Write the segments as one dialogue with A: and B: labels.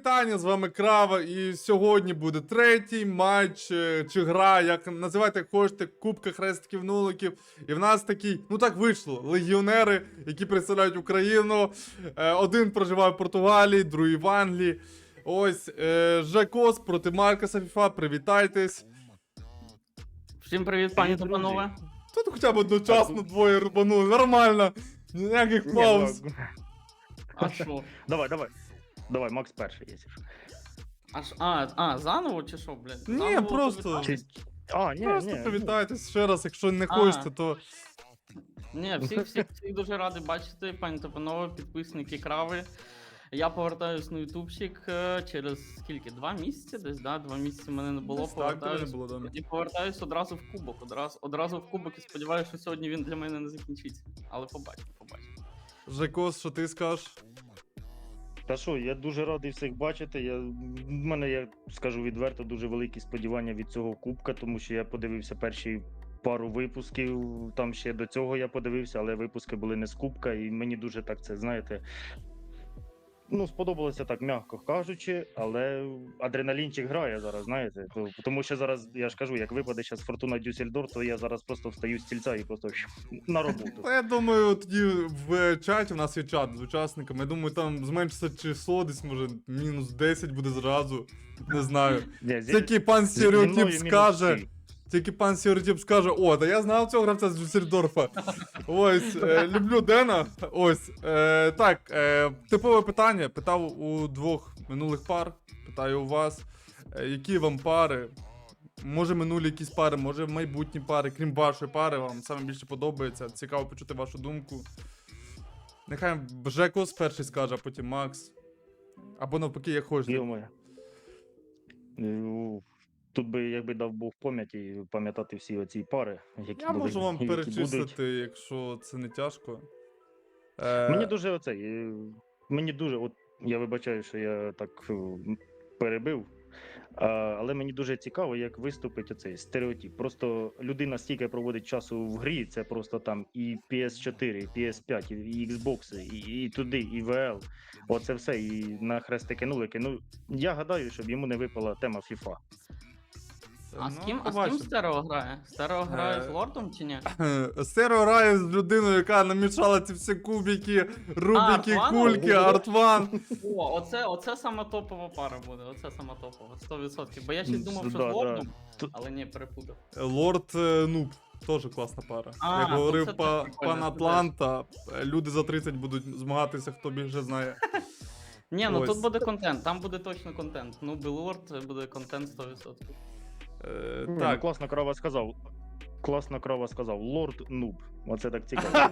A: вітання, з вами Крава, і сьогодні буде третій матч, чи гра, як називайте як хочете, Кубка Хрестиків Нуликів. І в нас такий, ну так вийшло, легіонери, які представляють Україну. Один проживає в Португалії, другий в Англії. Ось, Жекос проти Маркоса FIFA, привітайтесь.
B: Всім привіт, пані та панове.
A: Тут хоча б одночасно двоє рубанули, нормально. Ніяких пауз.
B: А що?
C: Давай, Макс перший, якщо що.
B: Заново чи що, блядь?
A: Ні,
B: Заново
A: просто.
B: повітати?
A: Просто
C: Ні.
A: привітайтесь ще раз, якщо не хочете, то...
B: Ні, всіх дуже радий бачити, пані та панове, підписники Крави. Я повертаюсь на ютубчик через скільки? 2 місяці десь, да? 2 місяці мене не було,
A: Десь так, тебе не
B: повертаюсь.
A: було, да.
B: І повертаюсь одразу в кубок, одразу в кубок і сподіваюся, що сьогодні він для мене не закінчиться. Але побачимо.
A: Жекос, що ти скажеш?
C: Та що, я дуже радий всіх бачити. В мене, я скажу відверто, дуже великі сподівання від цього кубка, тому що я подивився перші пару випусків, там ще до цього я подивився, але випуски були не з кубка, і мені дуже так це, знаєте, ну, сподобалося так, м'яко кажучи, але адреналінчик грає зараз, знаєте. Тому що зараз, я ж кажу, як випаде зараз Фортуна Дюссельдорф, то я зараз просто встаю з стільця і просто на роботу.
A: Я думаю, тоді в чаті, у нас є чат з учасниками, я думаю, там зменшиться число, десь, може, мінус 10 буде зразу, не знаю. Тільки пан Стереотип скаже, о, та я знав цього гравця з Дюссельдорфа. Ось, люблю Дена. Ось, так, типове питання, питав у двох минулих пар, питаю у вас, які вам пари, може минулі якісь пари, може майбутні пари, крім вашої пари, вам саме більше подобається, цікаво почути вашу думку. Нехай Жекос перший скаже, а потім Макс. Або навпаки, як хочете.
C: Йо-моє. Тут би, якби дав Бог пам'яті, пам'ятати всі оці пари, які
A: Я
C: були,
A: можу вам
C: які
A: перечислити,
C: будуть.
A: якщо це не тяжко.
C: Мені дуже, от я вибачаю, що я так перебив, але мені дуже цікаво, як виступить оцей стереотип. Просто людина стільки проводить часу в грі, це просто там і PS4, і PS5, і Xbox, і туди, і VL. Оце все, і на хрестики-нулики. Ну, я гадаю, щоб йому не випала тема FIFA.
B: А з ким Стерео грає? Стерео грає з Лордом чи ні?
A: Стерео грає з людиною, яка намішала ці всі кубики, рубики,
B: Артван?
A: кульки, Артван.
B: О, оце сама топова пара буде, оце сама топова, 100%. Бо я ще думав, що з
C: Да.
B: Лордом, але ні, перепутав.
A: Лорд Нуб, теж класна пара. Як
B: ну
A: говорив
B: це теж
A: пан
B: прикольно, це
A: Атланта, люди за 30 будуть змагатися, хто більше знає.
B: Ні, ну
A: Ось.
B: тут буде контент, там буде точно контент. Ну, Лорд буде контент 100%.
C: Так.
A: Так,
C: Класно крова сказав, Лорд Нуб. Оце так цікаво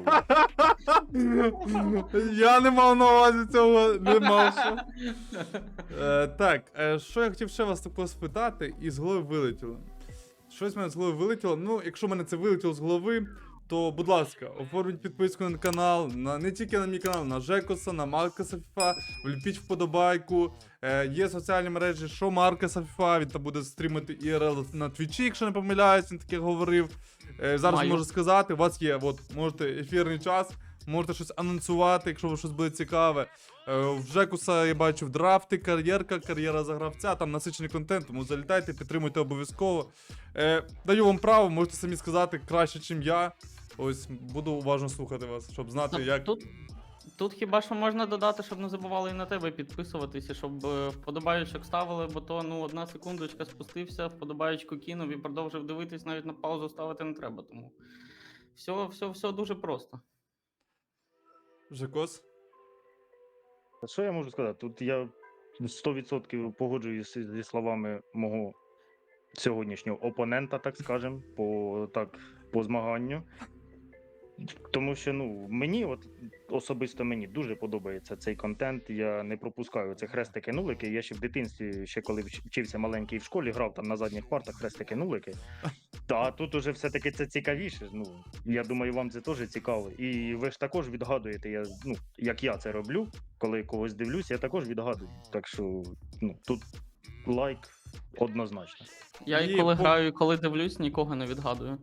C: було.
A: я не мав на увазі цього, не мав що. Так, що я хотів ще вас такого спитати, і з голови вилетіло. Щось в мене з голови вилетіло. Ну, якщо в мене це вилетіло з голови, то, будь ласка, оформіть підписку на канал, не тільки на мій канал, на Жекоса, на Маркоса FIFA, вліпіть вподобайку. Є соціальні мережі, що Маркоса FIFA, він там буде стрімити IRL на Твічі, якщо не помиляюсь, він таке говорив. Зараз
B: Маю.
A: можу сказати, у вас є, можете ефірний час, можете щось анонсувати, якщо вам щось буде цікаве. В Жекуса я бачу в драфти, кар'єра за гравця, там насичений контент, тому залітайте, підтримуйте обов'язково. Даю вам право, можете самі сказати краще, ніж я. Ось, буду уважно слухати вас, щоб знати, як...
B: Тут хіба що можна додати, щоб не забували і на тебе підписуватися, щоб вподобаючок ставили, бо то, ну, 1 секундочка спустився, вподобаючку кинув і продовжив дивитись, навіть на паузу ставити не треба, тому все дуже просто.
A: Жекос?
C: Що я можу сказати? Тут я 100% погоджуюсь зі словами мого сьогоднішнього опонента, так скажем, по змаганню. Тому що, ну, особисто мені дуже подобається цей контент. Я не пропускаю це хрестики-нулики. Я ще в дитинстві, ще коли вчився маленький в школі, грав там на задніх партах хрестики-нулики. Та тут уже все-таки це цікавіше. Ну, я думаю, вам це теж цікаво. І ви ж також відгадуєте, як я це роблю, коли когось дивлюсь, я також відгадую. Так що, ну, тут лайк однозначно.
B: Я і коли граю, і коли дивлюсь, нікого не відгадую.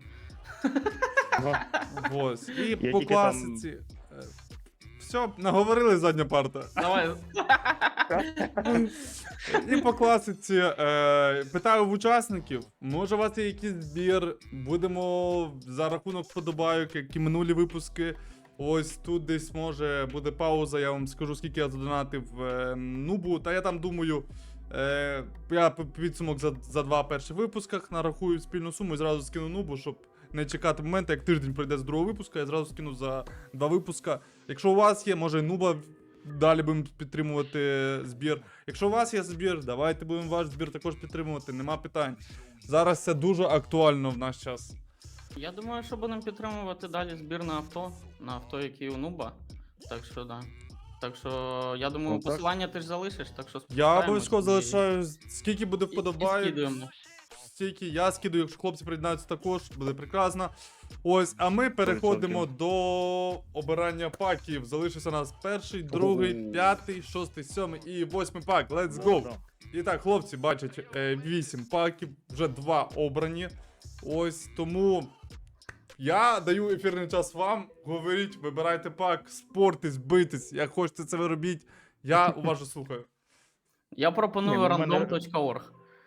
A: Ось. І
C: Я
A: по
C: тільки
A: класиці. Все, наговорили задня парта.
B: Давай.
A: І по класиці питаю в учасників, може у вас є якийсь збір, будемо за рахунок вподобайок, як і минулі випуски. Ось тут десь може буде пауза, я вам скажу, скільки я задонатив нубу. Та я там думаю, я підсумок за 2 перших випусках нарахую спільну суму і зразу скину нубу, щоб не чекати моменту, як тиждень пройде з другого випуска, я зразу скину за 2 випуска. Якщо у вас є, може нуба, далі будемо підтримувати збір. Якщо у вас є збір, давайте будемо ваш збір також підтримувати, нема питань. Зараз це дуже актуально в наш час.
B: Я думаю, що будемо підтримувати далі збір на авто, який у Нуба. Так що, да. Так що, я думаю,
C: Ну, так.
B: посилання ти ж залишиш, так що
A: Я
B: спускаємось
A: обов'язково
B: і-
A: залишаю, скільки буде
B: і
A: вподобайок,
B: скидуємо.
A: стільки я скидаю, якщо хлопці приєднаються також, буде прекрасно. Ось, а ми переходимо до обирання паків. Залишився у нас перший, другий,
C: Ого.
A: 5, 6, 7 і 8 пак. Let's go! І так, хлопці, бачать 8 паків, вже 2 обрані. Ось тому я даю ефірний час вам. Говоріть, вибирайте пак, спортись, битись, як хочете це ви робіть. Я уважно слухаю.
B: Я пропоную
C: Ні, ну, в мене-
B: random.org.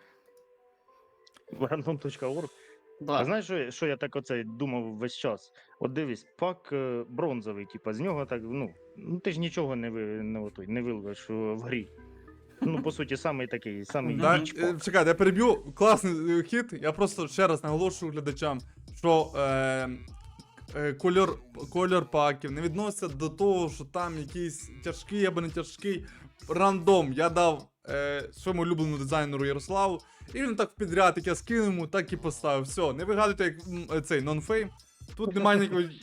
C: Random.org. А
B: Да.
C: знаєш, що я так оце думав весь час? От дивись, пак бронзовий, типа, з нього так, ну ти ж нічого не виловиш в грі. Ну, по суті, самий такий, самий
A: Да,
C: ніч пак.
A: чекайте, я переб'ю. Класний хід. Я просто ще раз наголошую глядачам, що кольор паків не відноситься до того, що там якийсь тяжкий або не тяжкий рандом. Я дав своєму улюбленому дизайнеру Ярославу, і він так підряд, як я скинув йому, так і поставив. Все, не вигадуйте як цей нонфейм. Тут немає ніякої.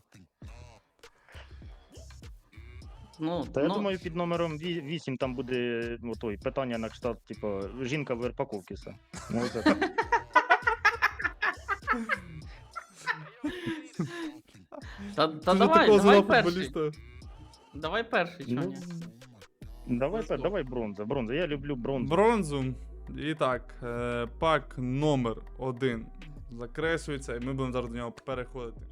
B: Ну,
C: Та я
B: ну,
C: думаю, під номером 8 там буде той, питання на кшталт, типу, жінка в Верпаковці. Ну, оце так.
B: та
A: Це ж
B: давай,
A: такого
B: давай
A: звела
B: перший.
A: футболіста.
B: Давай перший, чого
C: Ну,
B: ні?
C: давай бронза. Я люблю бронзу.
A: Бронзу. І так, пак номер 1 закреслюється, і ми будемо зараз до нього переходити.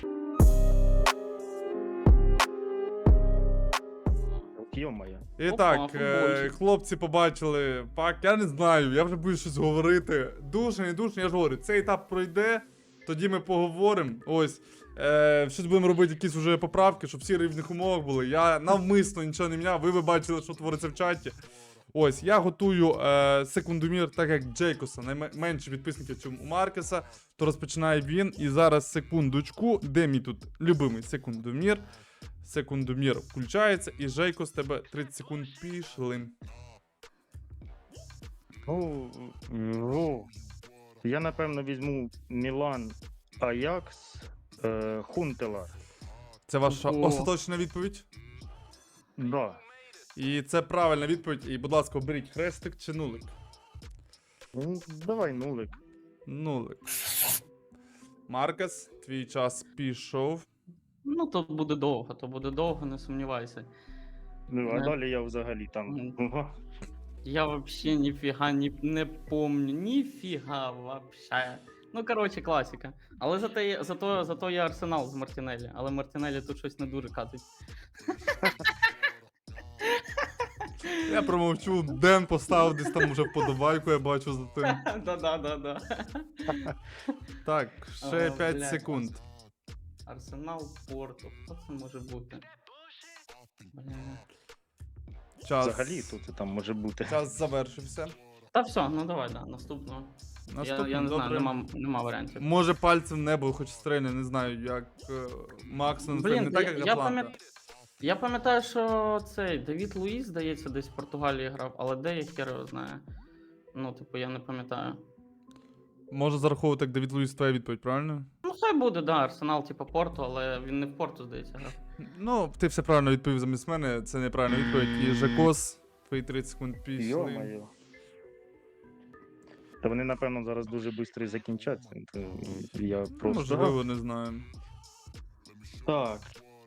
C: Йо-моє.
A: І
B: Опа,
A: так,
B: футбольчик.
A: хлопці побачили пак, я не знаю, я вже буду щось говорити. Дуже, не дуже, я ж говорю, цей етап пройде, тоді ми поговоримо. Ось, щось будемо робити, якісь вже поправки, щоб всі в рівних умовах були. Я навмисно нічого не міняв, ви бачили, що твориться в чаті. Ось, я готую секундомір, так як Джейкоса найменше підписників, ніж у Маркеса, то розпочинає він. І зараз секундочку, де мій тут любимий секундомір. Секундомір включається, і Жейко з тебе 30 секунд пішли.
C: Я, напевно, візьму Мілан Аякс Хунтелар.
A: Це ваша
B: Ого.
A: остаточна відповідь?
C: Да.
A: І це правильна відповідь. І, будь ласка, оберіть хрестик чи нулик.
C: Ну, давай нулик.
A: Нулик. Маркес, твій час пішов.
B: Ну, то буде довго, не сумнівайся.
C: Ну, а
B: Не.
C: далі я взагалі там.
B: Мгм. Я вообще ніфіга не помню. Ніфіга вообще. Ну, коротше, класика. Але зато є Арсенал з Мартінелі. Але Мартінелі тут щось не дуже катить.
A: Я промовчу, Ден поставив десь там уже вподобайку, я бачу за тим.
B: Да.
A: Так, ще
B: О,
A: 5
B: блядь,
A: секунд.
B: Арсенал Порту. Хто це може бути? Бля.
A: Час.
C: Взагалі тут там може бути.
A: Час завершився.
B: Та все, ну давай, да, наступного.
A: Наступний,
B: Я не знаю,
A: добре.
B: нема варіантів.
A: Може пальцем в небо хоч стрельне, не знаю, як Максон,
B: Блін,
A: не так, як
B: я
A: Атланта.
B: Я пам'ятаю, що цей Давід Луїс, здається, десь в Португалії грав, але де я хер його знаю. Ну, типу, я не пам'ятаю.
A: Може зараховувати як Давід Луїс твоя відповідь, правильно?
B: Ну, хай буде, да, Арсенал, типу, Порту, але він не в Порту, здається, грав.
A: Ну, ти все правильно відповів замість мене, це неправильна відповідь. І Жакос, твої 30 секунд пішли.
C: Йо-моє. Та вони, напевно, зараз дуже швидко закінчаться. То я просто.
A: Можливо, не знаю.
C: Так.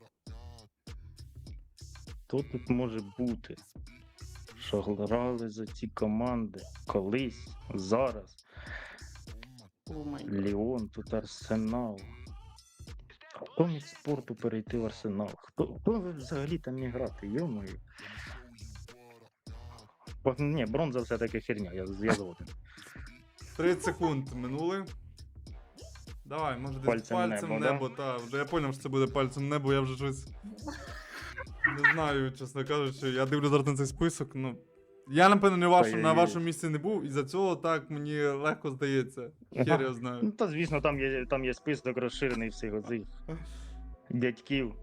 C: Хто тут може бути? Що грали за ці команди колись, зараз.
B: О май гад.
C: Ліон, тут Арсенал. Хто міг з спорту перейти в Арсенал? Хто взагалі там міг грати? Йо-моє. Ні, бронза все-таки херня, я згоден.
A: 30 секунд минули. Давай, може десь
C: Пальцем
A: пальцем
C: небо,
A: небо, та. Вже я поняв, що це буде пальцем небо, я вже щось. Не знаю, чесно кажучи. Я дивлю зараз на цей список, ну. Я, напевно, на
C: Ой-ой-ой.
A: вашому місці не був, і за цього так мені легко здається. Хер я знаю.
C: Ну, та звісно, там є список розширений всіх оцих дядьків.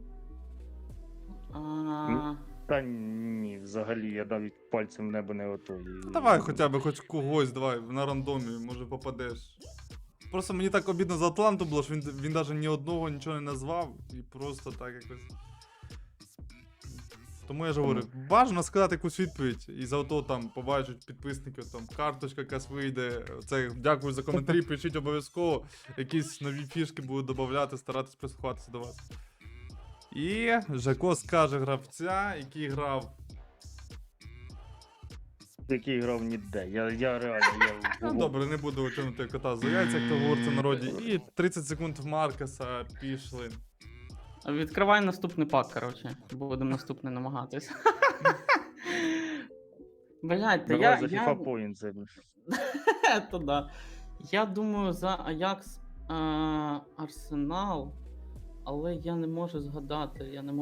B: А,
C: Та ні, взагалі, я навіть пальцем в небо не готовий.
A: Ну, давай хоча б хоч когось, давай, на рандомі, може попадеш. Просто мені так обідно за Атланту було, що він навіть ні одного нічого не назвав, і просто так якось. Тому я ж говорю, бажано сказати якусь відповідь, і за ото там побачать підписників, там карточка якась вийде. Це дякую за коментарі, пишіть обов'язково. Якісь нові фішки будуть додавати, старатись прислухатися до вас. І Жако скаже гравця, який грав.
C: Який грав ніде. Я реально,
A: Ну, добре, не буду тягнути кота за яйця, як то говориться в народі. І 30 секунд в Маркеса пішли.
B: відкривай наступний пак, коротше. Будемо наступний намагатись. Блять, та
C: Давай за
B: я...
C: FIFA Point це.
B: То да. Я думаю за Аякс Арсенал, але я не можу згадати.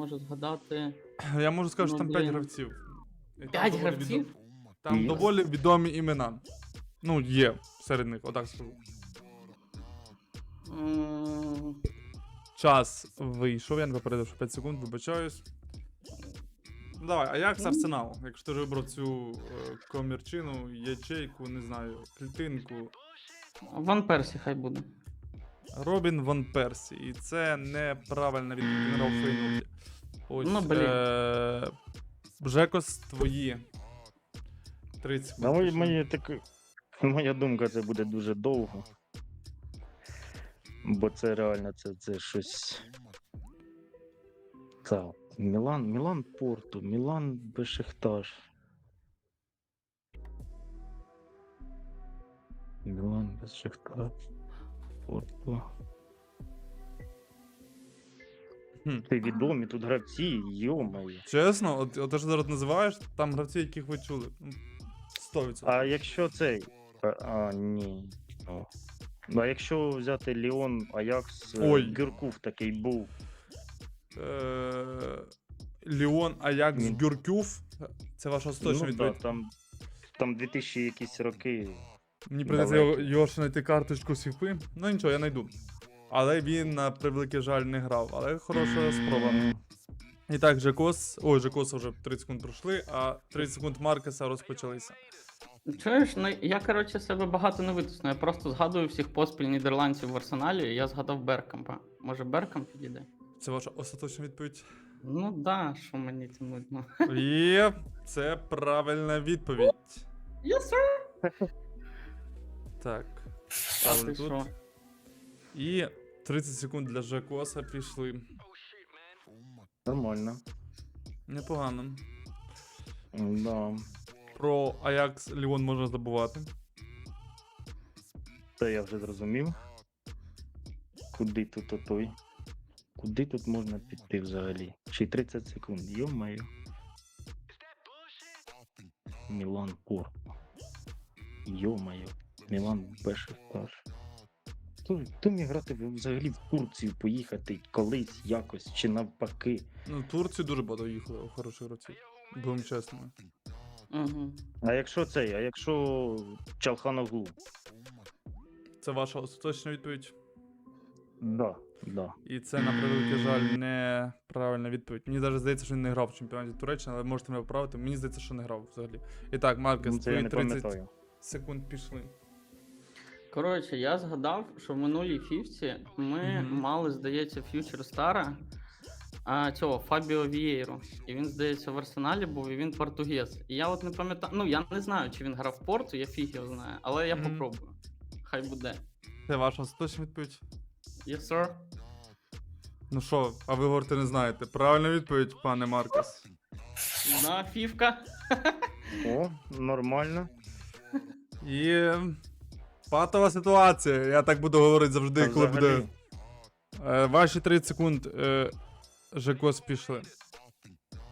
A: Я можу сказати, що
B: Ну,
A: там 5
B: блін.
A: гравців. І там
B: 5
A: доволі
B: гравців?
A: Там
C: Є.
A: доволі відомі імена. Ну, є серед них, отак скажу.
B: М,
A: Час вийшов, я не попередив, що 5 секунд, вибачаюсь. Давай, Аякс Арсенал. Якщо ти вже вибрав цю комірчину, ячейку, не знаю, клітинку.
B: Ван Персі хай буде.
A: Робін Ван Персі. І це неправильна відповідь. Він грав у Фейнорді. Ось.
B: Ну, блін.
A: Жекос, твої. 30 секунд.
C: На
A: пішли.
C: моя думка, це буде дуже довго. Бо це реально, це щось. Так. Мілан Порту, Мілан Бешикташ. Мілан Бешикташ. Порту.
A: Хм.
C: Ти відомі тут гравці, йомаю.
A: Чесно, от те, що зараз називаєш, там гравці, яких ви чули. 100%.
C: А якщо цей. Ні. О. Ну, а якщо взяти Ліон, Аякс,
A: Ой.
C: Гюркув такий був.
A: Ліон Аякс
C: Ні.
A: Гюркюв. Це ваша остаточна
C: Ну,
A: відповідь.
C: да, там 2000 якісь роки.
A: Мені прийдеться
C: далекі.
A: його ще знайти карточку сіфи. Ну нічого, я знайду. Але він, на превеликий жаль, не грав. Але хороша спроба. І так, Жекос. Ой, Жекоса вже 30 секунд пройшли, а 30 секунд Маркеса розпочалися.
B: Чуєш, ну я коротше себе багато не витисну. Я просто згадую всіх поспіль нідерландців в арсеналі, і я згадав Беркампа. Може Беркамп підійде?
A: Це ваша остаточна відповідь.
B: Ну да, що мені це нудно.
A: І це правильна відповідь.
B: Yes, sir.
A: Так.
B: А
A: Ставлю
B: ти
A: тут.
B: що?
A: І 30 секунд для Жекоса пішли.
C: Нормально.
A: Непогано.
C: Да.
A: Про Аякс Ліон можна забувати.
C: Це я вже зрозумів. Куди тут отой? Куди тут можна піти взагалі? Ще 30 секунд. Йо-моє. Мілан Порту. Йо-моє. Мілан Бешикташ. Хто міг грати взагалі в Турцію поїхати колись якось чи навпаки?
A: Ну, в Турцію дуже багато їхали у хороших гравців. Будемо чесними.
B: Угу.
C: А якщо Чалханоглу?
A: Це ваша остаточна відповідь.
C: Да.
A: І це, на превеликий жаль, неправильна відповідь. Мені навіть здається, що він не грав в чемпіонаті Туреччини, але можете мене поправити. Мені здається, що не грав взагалі. І так, Маркес,
C: Ну, це я
A: твої
C: не
A: 30
C: пам'ятаю.
A: секунд пішли.
B: Коротше, я згадав, що в минулій фіфці ми
A: Мгм.
B: мали, здається, ф'ючер Стара, цього Фабіо Вієру. І він, здається, в Арсеналі був, і він португез. І я от не пам'ятаю, ну я не знаю, чи він грав в Порту, я фіг його знаю, але я
A: Мгм.
B: попробую. Хай буде.
A: Це ваша остаточна відповідь.
B: Yes, sir.
A: Ну що, а ви говорите, не знаєте. Правильна відповідь, пане Маркес.
B: На фівка.
C: О, нормально.
A: І патова ситуація. Я так буду говорити завжди,
C: А
A: коли
C: взагалі?
A: буде. Ваші 30 секунд Жекос пішли.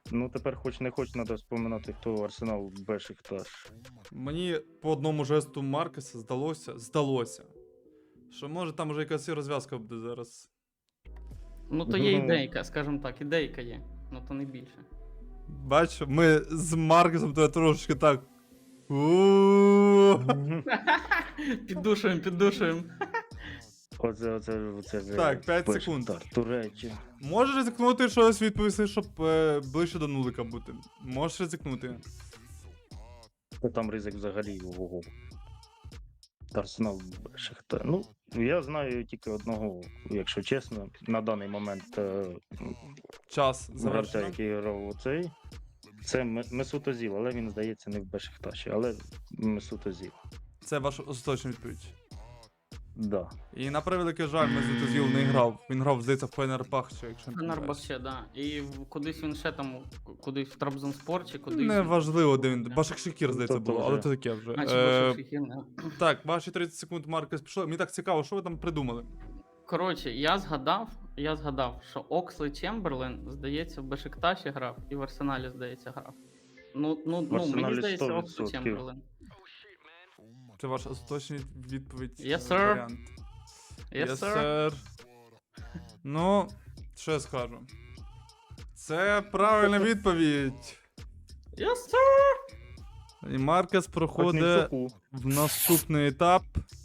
C: Ну, тепер хоч не хоч, треба вспоминати, хто Арсенал Бешикташ.
A: Мені по одному жесту Маркеса здалося, що може там вже якась і розв'язка буде зараз.
B: Ну то є
C: Ну.
B: ідейка, скажімо так, ідейка є. Ну то не більше.
A: Бачу, ми з Маркесом тебе трошечки так. У-у-у.
B: Піддушуємо.
C: Оце вже
A: Так, 5
C: Бешикташ,
A: секунд.
C: Туреччя.
A: Можеш ризикнути щось відповісти, щоб ближче до нулика бути. Можеш ризикнути.
C: Там ризик взагалі ого. Арсенал Бешикташ. Ну, я знаю тільки одного, якщо чесно, на даний момент
A: Час
C: гравця,
A: завершено.
C: який грав у цей. Це Месут Озіл, але він, здається, не в Бешикташі, але Месут Озіл.
A: Це ваша остаточна відповідь.
C: Да.
A: І на превеликий жаль, Месут Озіл не грав. Він грав, здається, в Фенербахче, якщо не помиляюсь.
B: Фенербахче, да. І кудись він ще там, кудись в Трабзонспор чи кудись.
A: Неважливо, де він. Башакшехір, здається,
C: Тобто
A: було,
C: вже.
A: але це таке вже.
B: Наче Башакшехір, да.
A: Так, ваші 30 секунд Маркес пішло. Мені так цікаво, що ви там придумали?
B: Коротше, я згадав, що Оксли Чемберлен, здається, в Бешикташі грав і в Арсеналі, здається, грав. мені
C: Арсеналі
B: здається, Оксли
C: 100%.
B: Чемберлен.
A: Це ваша остаточна відповідь.
B: Yes, sir.
A: Варіант.
B: Yes,
A: Yes,
B: sir.
A: sir. Ну, що я скажу? Це правильна відповідь.
B: Yes, sir.
A: І Маркес проходить
C: Хотнічуку.
A: в наступний етап.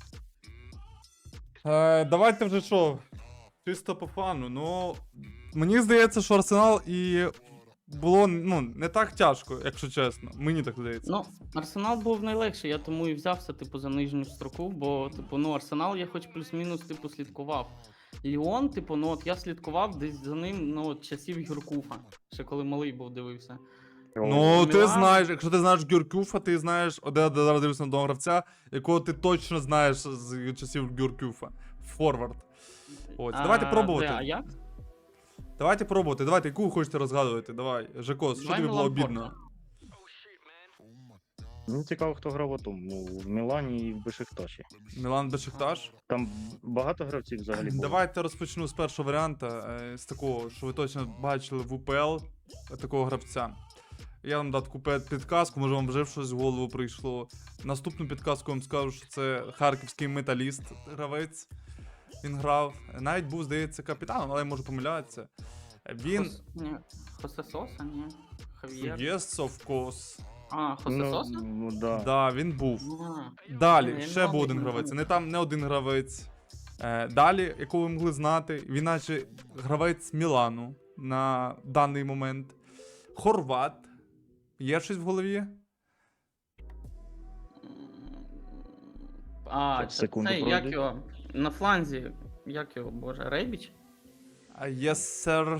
A: Давайте вже що? Чисто по фану. Ну, мені здається, що Арсенал і було не так тяжко, якщо чесно. Мені так здається.
B: Ну, Арсенал був найлегший, я тому і взявся, типу, за нижню строку, бо, типу, Арсенал я хоч плюс-мінус, типу, слідкував. Ліон, типу, от я слідкував десь за ним, от часів Гюркуфа, ще коли малий був, дивився.
A: Ну, ти
B: Мілан.
A: знаєш, якщо ти знаєш Гюркюфа, ти знаєш, зараз дивишся на одного гравця, якого ти точно знаєш з часів Гюркюфа. Форвард. Ось, давайте пробувати.
B: А як?
A: Давайте пробувати, давайте, яку ви хочете розгадувати, давай. Жекос, що
B: Давай
A: тобі було
B: Мілан
A: обідно?
B: Порто.
C: Мені цікаво, хто грав у тому, в Мілані і в Бешикташі.
A: Мілан Бешикташ?
C: Там багато гравців взагалі було.
A: Давайте розпочну з першого варіанта, з такого, що ви точно бачили в УПЛ, такого гравця. Я вам дав таку підказку, може вам вже щось в голову прийшло. Наступну підказку вам скажу, що це харківський металіст гравець. Він грав. Навіть був, здається, капітаном, але я можу помилятися. Він.
B: Ні, Хосе Соса, ні. Хав'єр.
A: Yes, of course.
B: А, Хосе Соса?
C: Ну, да.
A: Да, він був.
B: А,
A: Далі,
B: я
A: ще
B: не
A: був один
B: знаю,
A: гравець.
B: не
A: Не там не один гравець. Далі, якого ви могли знати, він наче гравець Мілану на даний момент. Хорват. Є щось в голові?
B: А,
C: Секунду,
B: це як
C: пройди.
B: його, на фланзі, як його, боже, Рейбіч?
A: Yes, sir.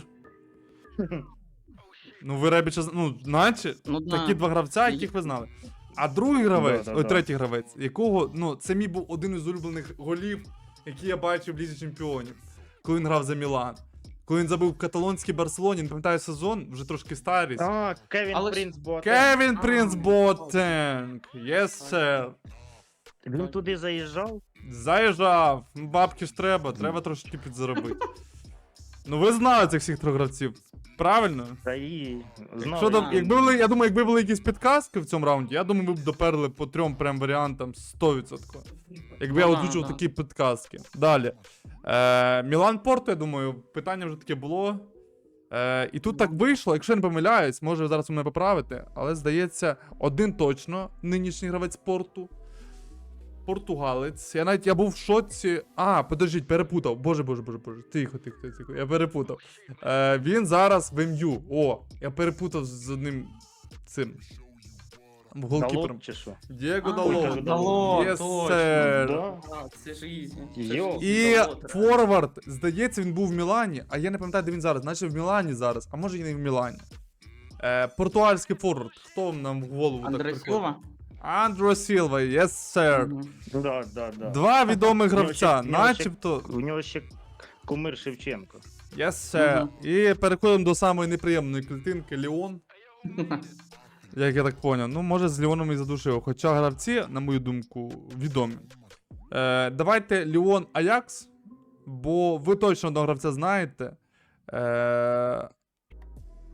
A: Ну, ви Ребіча, наче,
B: Ну, да.
A: такі два гравця, яких ви знали. А другий гравець,
C: Да.
A: третій гравець, якого, це мій був один із улюблених голів, який я бачив в Лізі Чемпіонів, коли він грав за Мілан. Коли він забив в каталонській Барселоні, не пам'ятаю сезон, вже трошки старість.
C: А, Кевін
B: Але ж-
C: Принц Боатенг.
A: Кевін
B: А,
A: Принц
B: ну,
A: Боатенг. Yes, sir.
C: Він туди заїжджав?
A: Заїжджав. Бабки ж треба трошки підзаробити. Ну ви знали цих всіх трьох гравців, правильно?
C: Та і знав.
A: Що
B: там-
A: я думаю, якби були якісь підказки в цьому раунді, я думаю, ви б доперли по трьом прям варіантам 100%. Якби я
B: Ну да,
A: озвучував
B: да.
A: такі підказки. Далі. Мілан Порто, я думаю, питання вже таке було. І тут так вийшло, якщо я не помиляюсь, може зараз ви мене поправите, але здається, один точно нинішній гравець Порту. Португалець. Я був в шоці. Подождіть, перепутав. Боже. Тихо. Я перепутав. Він зараз в МЮ. Я перепутав з одним цим голкіпером.
C: Далот чи що?
A: Дієго
B: А,
A: Дало.
B: Дало,
A: Yes,
B: точно.
A: sir.
C: Да.
B: А, це ж ізі.
C: Йо.
A: І форвард, здається, він був в Мілані, а я не пам'ятаю, де він зараз. Наче в Мілані зараз, а може і не в Мілані. Португальський форвард. Хто нам в голову так
B: Андре
A: приходить?
B: Сілва?
A: Андро Сілва, yes, sir.
B: Мгм.
C: Да.
A: Два відомих
C: В нього
A: гравця,
C: ще- в нього ще-
A: начебто.
C: У нього ще кумир Шевченко.
A: Yes, sir. І переходимо до самої неприємної клітинки Ліон. Як я так поняв. Ну, може, з Ліоном і задушив. Хоча гравці, на мою думку, відомі. Давайте Ліон Аякс, бо ви точно одного гравця знаєте.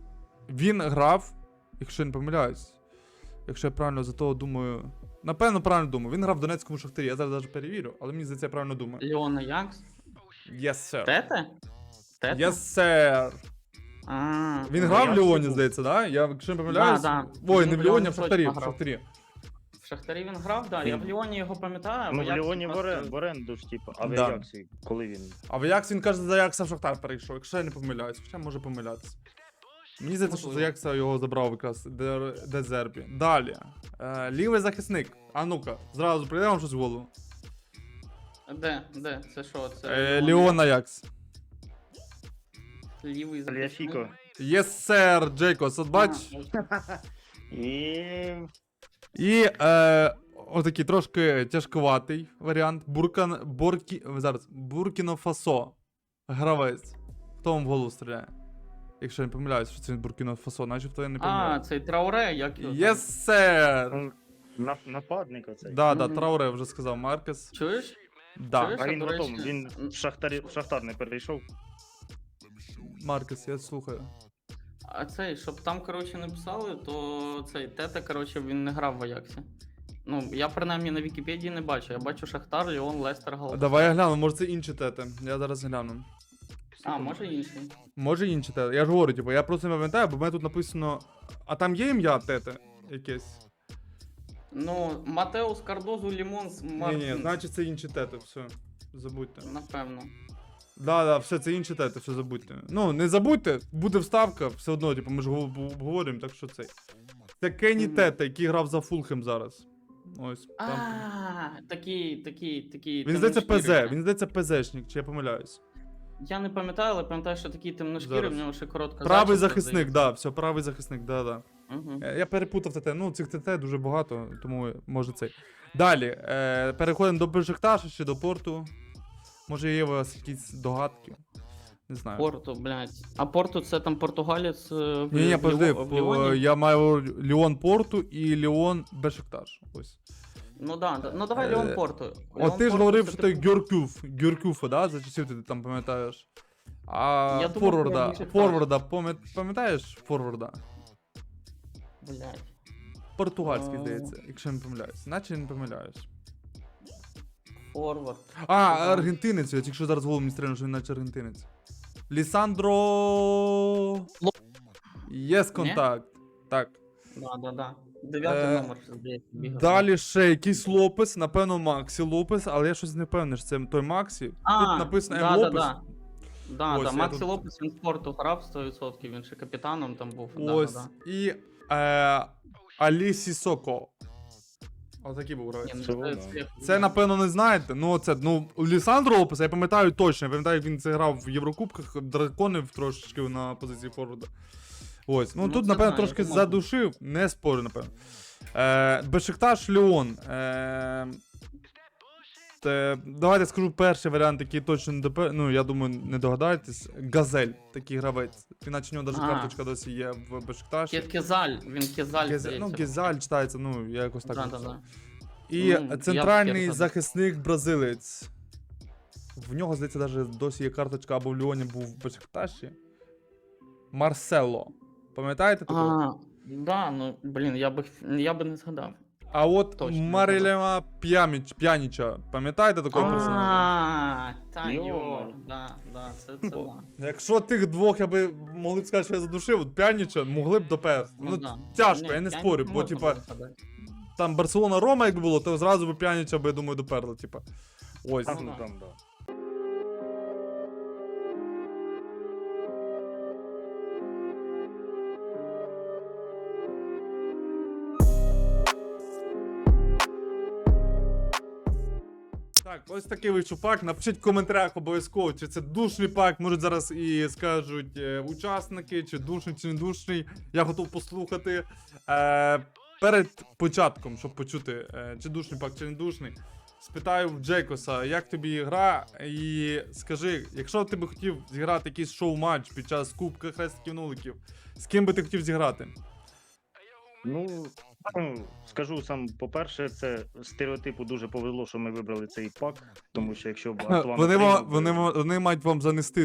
A: Він грав, якщо я не помиляюсь, якщо я правильно за того думаю. Напевно, правильно думаю. Він грав в Донецькому Шахтарі. Я зараз навіть перевірю, але мені здається, я правильно думаю.
B: Леон Аякс?
A: Yes, sir.
B: Тете? Тете?
A: Yes, sir.
B: А,
A: Він
C: Ну,
A: грав в
C: я
A: Ліоні,
C: всі
A: здається, да? Я, якщо не помиляюсь.
B: Да.
A: Ой,
B: Він
A: не
B: в
A: в Ліоні, а в
B: Ліоні
A: Шахтарі.
B: точно
A: В
B: грав.
A: Шахтарі.
B: В Шахтарі він грав, да. Я в Ліоні його пам'ятаю.
C: Ну, в
B: Аяксі
C: Ліоні
B: просто-
C: в оренду ж, типу, а в
A: Да.
C: Аяксі, коли він.
A: А в Аяксі він каже, за Аякса в Шахтар перейшов, якщо я не помиляюсь. Хоча може помилятися. Мені здається, що за
B: Можливо.
A: Аякса його забрав якраз Дезербі. Далі. Лівий захисник. А ну-ка, зразу прийде вам щось в голову.
B: Де? Це що? Це
A: Ліон Аякс.
B: Лівий
C: Таліафіко.
A: Yes, sir, Джейкос, от бач.
C: І...
A: І отакий трошки тяжковатий варіант. Буркіно Фасо. Гравець. Хто вам в голову стріляє? Якщо я не помиляюсь, що це Буркіно Фасо, начебто я не
B: А,
A: помиляю.
B: цей Трауре, як його там?
A: Yes, sir!
C: Нападник оцей.
A: Да,
B: Мгм.
A: Трауре вже сказав Маркес.
B: Чуєш?
A: Да,
B: Чуєш?
C: А він
B: до
C: потім,
B: речі,
C: він в Шахтар не перейшов.
A: Маркес, я слухаю.
B: А цей, щоб там, коротше, не писали, то цей Тете, коротше, він не грав в Аяксі. Ну, я принаймні на Вікіпедії не бачу. Я бачу Шахтар, Ліон, Лестер, Галатасарай.
A: Давай я гляну, може це інші тети. Я зараз гляну.
B: А, може інший.
A: Може інші тети. Я ж говорю, типу, я просто не пам'ятаю, бо в мене тут написано. А там є ім'я тети якесь?
B: Ну, Матеус, Кардозу, Лімонс, Мартин.
A: Ні, значить це інші тети, все. Забудьте.
B: Напевно.
A: Да, все, це інші тети, все забудьте. Ну, не забудьте, буде вставка, все одно, типу, ми ж обговорюємо, так що цей. Це Кенні
B: Мгм.
A: Тете, який грав за Фулхем зараз. Ось. Там.
B: Такий.
A: Він здається ПЗ,
B: темношкірий.
A: він здається ПЗшник, чи я помиляюсь.
B: Я не пам'ятаю, але пам'ятаю, що такий темношкірий,
A: Зараз.
B: в нього ще коротка
A: Правий
B: зачіска,
A: захисник, да, все, правий захисник, да.
B: Угу.
A: Я перепутав ТТ, ну цих ТТ дуже багато, тому може цей. Далі, переходимо до Бешикташа чи до Порту. Може є у вас якісь догадки? Не знаю.
B: Порту, блядь. А Порту це там португалець
A: Ні, подожди,
B: в Ліоні?
A: я маю Ліон Порту і Ліон Бешикташ. Ось.
B: Ну да. Ну давай Ліон Порту.
A: От ти ж говорив, що ти Гюркюфа, да? За часів ти там пам'ятаєш. А
B: Я думав,
A: форварда,
B: про Бешикташ.
A: пам'ятаєш форварда?
B: Блядь.
A: Португальський,
B: А.
A: здається, якщо я не помиляюсь. Наче не помиляюсь.
B: Форвард.
A: А, аргентинець, я тільки що зараз голову мені стрельну, що він наче аргентинець. Лісандро... Єс контакт. Так.
B: Да. Дев'ятий
A: Е,
B: номер, здається, бігав.
A: Далі ще якийсь Лопес, напевно, Максі Лопес, але я щось не впевнений, що це той Максі. Тут написано М. Лопес. Ось, я
B: Максі
A: тут-
B: Лопес, він в Порту грав 100%, він ще капітаном там був.
A: Ось.
B: Да.
A: І Алі Сісоко. Отакий був гравець.
B: Ні,
C: Це
B: ну,
C: воно.
B: це-
A: Напевно, не знаєте. Ну, це, Лісандро Лопеса, я пам'ятаю точно. Я пам'ятаю, як він це грав в Єврокубках, драконив трошечки на позиції форварда. Ось. Ну,
B: Ну,
A: тут,
B: це
A: напевно,
B: знаю,
A: трошки
B: це можна.
A: задушив, не спорю, напевно. Бешикташ Ліон. Давайте скажу перший варіант, який точно не ну, я думаю, не догадаєтесь. Газель, такий гравець. Іначе у нього навіть
B: А.
A: карточка досі є в Бешикташі.
B: Кезаль, він Кезаль,
A: Ну, Гезаль читається, ну, я якось так.
B: Да.
A: написав. І
B: Ну,
A: центральний
B: я б
A: захисник бразилець. В нього, здається, навіть досі є карточка або в Ліоні був в Бешикташі. Марсело. Пам'ятаєте такого?
B: А, да, ну, блін, я би не згадав.
A: А от
B: точно,
A: Марилема П'яніча. Пам'ятаєте такого персонажа?
B: А, та
C: Йо.
B: йо, да, це да.
A: Якщо тих двох я би могли б сказати, що я задушив, от П'яніча могли б доперти. Ну,
B: да.
A: тяжко,
B: Ні,
A: я не
B: я
A: спорю, бо,
B: можна
A: типа,
B: було згадати.
A: там Барселона-Рома, якби було, то зразу би П'яніча би, я думаю, доперли, типа. Ось.
C: Там,
B: Ну, да.
C: да.
A: Так, ось такий вийшов пак. Напишіть в коментарях обов'язково, чи це душний пак. Може зараз і скажуть учасники, чи душний, чи не душний. Я готов послухати. Перед початком, щоб почути, чи душний пак, чи не душний, спитаю в Джейкоса, як тобі гра, і скажи, якщо ти би хотів зіграти якийсь шоу-матч під час Кубка Хрестиків Нуликів, з ким би ти хотів зіграти?
C: Ну, Ну, скажу сам, по-перше, це стереотипу дуже повезло, що ми вибрали цей пак, тому що якщо б Антуан
A: Вони,
C: отримав би
A: вони мають вам занести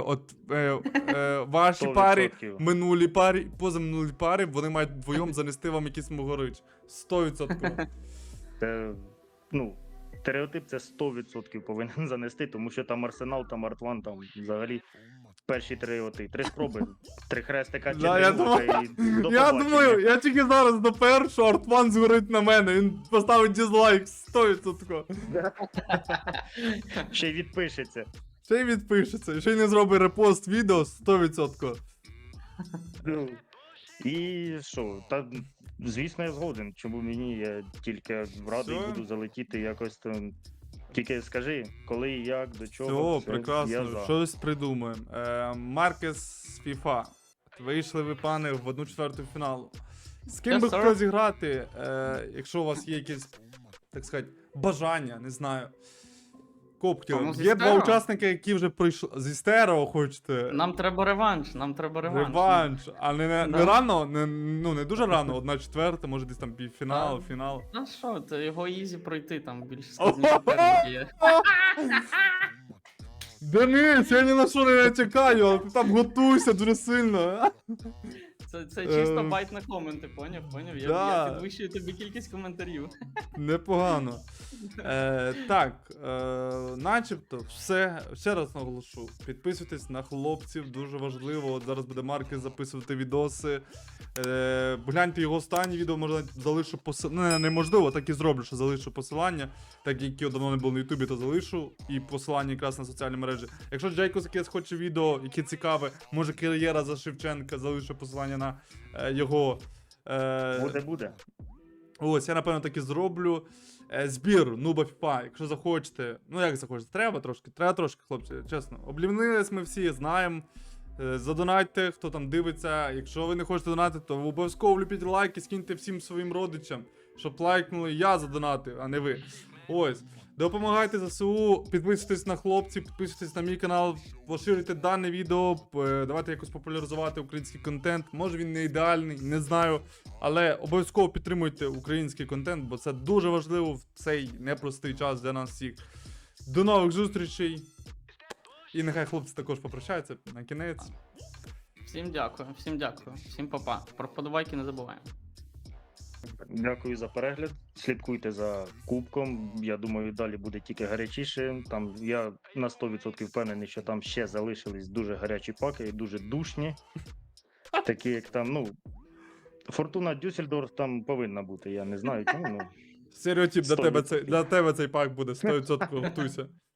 A: ваші парі,
C: 100%.
A: минулі парі, позаминулі парі, вони мають вдвоєм занести вам якийсь могорич. 100%.
C: Це, ну, стереотип це 100% повинен занести, тому що там Арсенал, там Артван, там взагалі перші 3 спроби, 3 хрестика чи
A: Да, я
C: дригунка і до
A: Я
C: побачення.
A: думаю, я тільки зараз допер, що Артван згорить на мене, він поставить дизлайк 100%.
C: Ще й відпишеться.
A: Ще й відпишеться, ще й не зробить репост відео 100%.
C: Ну, і що, та, звісно, я згоден. Чому мені, я тільки радий
A: Все.
C: буду залетіти якось там. Тільки скажи, коли, як, до чого.
A: Все, прекрасно,
C: я за.
A: щось придумаємо. Маркес з FIFA. Вийшли ви, пане, в 1/4 фіналу. З ким
B: Yes,
A: би
B: sir.
A: хотів зіграти, якщо у вас є якесь, так сказати, бажання, не знаю. Копки.
B: Ну, зі
A: Є два
B: Стерео.
A: учасники, які вже пройшли. Зі стерео хочете.
B: Нам треба реванш.
A: Реванш. А не
B: Да.
A: рано, не дуже рано, 1/4, може десь там півфінал,
B: Да.
A: фінал.
B: Ну що, то його ізі пройти, там більш
A: Ого!
B: складні суперники є.
A: Денис, я ні на що не чекаю, але ти там готуйся дуже сильно.
B: Це чисто
A: Ем.
B: байт на коменти, поняв? Я,
A: Да.
B: я підвищую тобі кількість коментарів.
A: Непогано. Так, начебто, все. Ще раз наголошу. Підписуйтесь на хлопців, дуже важливо. От зараз буде Маркес записувати відоси. Гляньте його останнє відео, може залишу посилання. Неможливо, так і зроблю, що залишу посилання. Так як його давно не було на Ютубі, то залишу. І посилання якраз на соціальні мережі. Якщо Джейкос якесь хоче відео, яке цікаве, може кар'єра за Шевченка, залишу посилання на його.
C: Буде.
A: Ось, я напевно так і зроблю. Збір Нуба FIFA, якщо захочете. Ну як захочете, треба трошки, хлопці, чесно. Облівнились ми всі, знаємо. Задонатьте, хто там дивиться. Якщо ви не хочете донатити, то обов'язково влюбіть лайки, скиньте всім своїм родичам, щоб лайкнули, я задонатив, а не ви. Ось. Допомагайте ЗСУ, підписуйтесь на хлопців, підписуйтесь на мій канал, поширюйте дане відео, давайте якось популяризувати український контент. Може він не ідеальний, не знаю. Але обов'язково підтримуйте український контент, бо це дуже важливо в цей непростий час для нас всіх. До нових зустрічей. І нехай хлопці також попрощаються на кінець.
B: Всім дякую, всім па-па. Про вподобайки не забуваємо.
C: Дякую за перегляд. Слідкуйте за кубком. Я думаю, далі буде тільки гарячіше. Там я на 100% впевнений, що там ще залишились дуже гарячі паки, дуже душні. Такі, як там, ну. Фортуна Дюссельдорф там повинна бути, я не знаю чому. Ну.
A: Стереотип для
C: 100%.
A: тебе, для тебе цей пак буде 100%, готуйся.